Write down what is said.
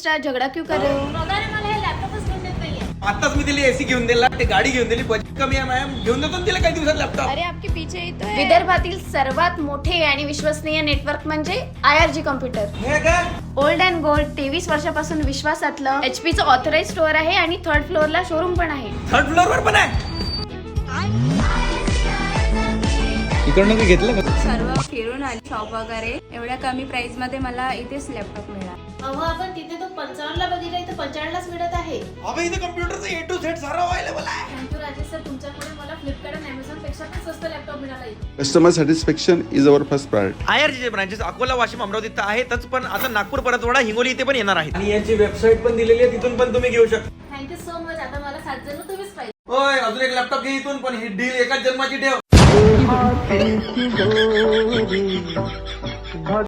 Extra झगड़ा क्यों कर रहे हो? आताच मी तिला एसी घेऊन दिला, ते गाडी घेऊन दिली, बजेट कमी आहे मॅम, घेऊन देतो ना तिला काही दिवसात लॅपटॉप. अरे आपके पीछे ही तो है. विदर्भातील सर्वात मोठे आणि विश्वसनीय नेटवर्क म्हणजे IRG कॉम्प्युटर. हे काय? ओल्ड अँड गोल्ड 23 वर्षापासून विश्वासातलं HP चं ऑथराइज स्टोअर आहे आणि 3rd फ्लोअरला शोरूम पण आहे. 3rd फ्लोअरवर पण आहे. इकडनं मी घेतलं का? सर्व फिरून आली शॉप वगैरे. एवढ्या कमी प्राइस मध्ये मला इथेच लॅपटॉप मिळाला. अहो आपण तिथे तो 55ला बघितला, इथे 45लाच मिळत आहे. अबे इथे कम्प्युटरचं A to Z सारं अवेलेबल आहे. थँक्यू राजेश सर, तुमच्यामुळे मला फ्लिपकार्ट आणि अमेझॉन पेक्षा पण स्वस्त लॅपटॉप मिळाला इथे. Customer satisfaction is our first priority. IRGचे ब्रांचेस अकोला, वाशिम, अमरावती तर आहेतच, पण आता नागपूर, परतवाडा, हिंगोली इथे पण येणार आहेत. आणि याची वेबसाईट पण दिलेली आहे, तिथून पण तुम्ही घेऊ शकता. Thank you so much. आता मला 7 जण तुम्हीच पाहिजे. होय, अजून एक लॅपटॉप घे इथून, पण ही डील एकाच जन्माची ठेव.